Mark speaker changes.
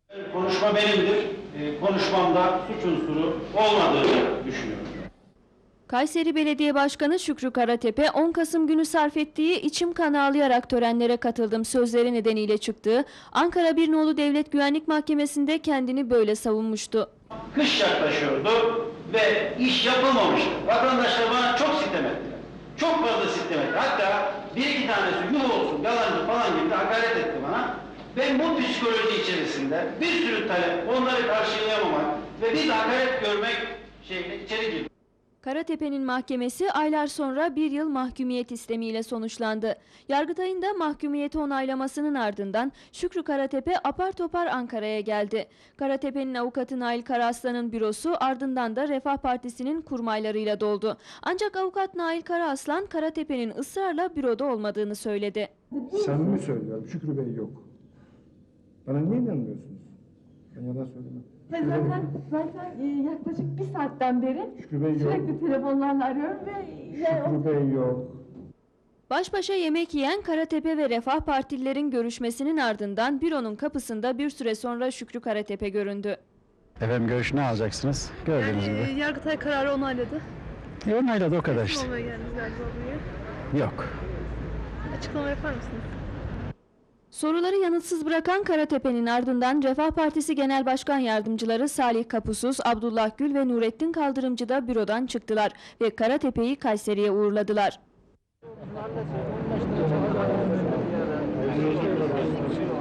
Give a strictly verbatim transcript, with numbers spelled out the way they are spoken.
Speaker 1: Konuşma benimdir. E, konuşmamda suç unsuru olmadığını düşünüyorum.
Speaker 2: Kayseri Belediye Başkanı Şükrü Karatepe, on Kasım günü sarf ettiği "içim kan ağlayarak törenlere katıldım" sözleri nedeniyle çıktığı Ankara bir Nolu Devlet Güvenlik Mahkemesi'nde kendini böyle savunmuştu.
Speaker 1: Kış yaklaşıyordu ve iş yapılmamıştı. Vatandaşlar bana çok sitem ettiler. Çok fazla sitem etti. Hatta bir iki tanesi yuh olsun, yalancı falan gibi de hakaret etti bana. Ben bu psikoloji içerisinde bir sürü talep, onları karşılayamamak ve bir de hakaret görmek şeyine içeri girdim.
Speaker 2: Karatepe'nin mahkemesi aylar sonra bir yıl mahkumiyet istemiyle sonuçlandı. Yargıtay'ın da mahkumiyeti onaylamasının ardından Şükrü Karatepe apar topar Ankara'ya geldi. Karatepe'nin avukatı Nail Karaaslan'ın bürosu ardından da Refah Partisi'nin kurmaylarıyla doldu. Ancak avukat Nail Karaaslan, Karatepe'nin ısrarla büroda olmadığını söyledi.
Speaker 3: Samimi söylüyorum, Şükrü Bey yok. Bana niye inanmıyorsunuz? Ben yalan söylemem.
Speaker 4: Ben zaten, zaten e, yaklaşık bir saatten beri
Speaker 3: Şükrü Bey yok.
Speaker 4: sürekli telefonlarla arıyorum ve... Yani
Speaker 3: Şükrü Bey yok.
Speaker 2: Baş başa yemek yiyen Karatepe ve Refah Partililerin görüşmesinin ardından büronun kapısında bir süre sonra Şükrü Karatepe göründü.
Speaker 5: Efendim görüşünü alacaksınız. Gördüğünüz
Speaker 6: Yani,
Speaker 5: gibi.
Speaker 6: Yargıtay kararı onayladı.
Speaker 5: E, onayladı o kadar işte.
Speaker 6: Olmaya geldiniz galiba buraya.
Speaker 5: Yok.
Speaker 6: Açıklama yapar mısınız?
Speaker 2: Soruları yanıtsız bırakan Karatepe'nin ardından Refah Partisi Genel Başkan Yardımcıları Salih Kapusuz, Abdullah Gül ve Nurettin Kaldırımcı da bürodan çıktılar ve Karatepe'yi Kayseri'ye uğurladılar.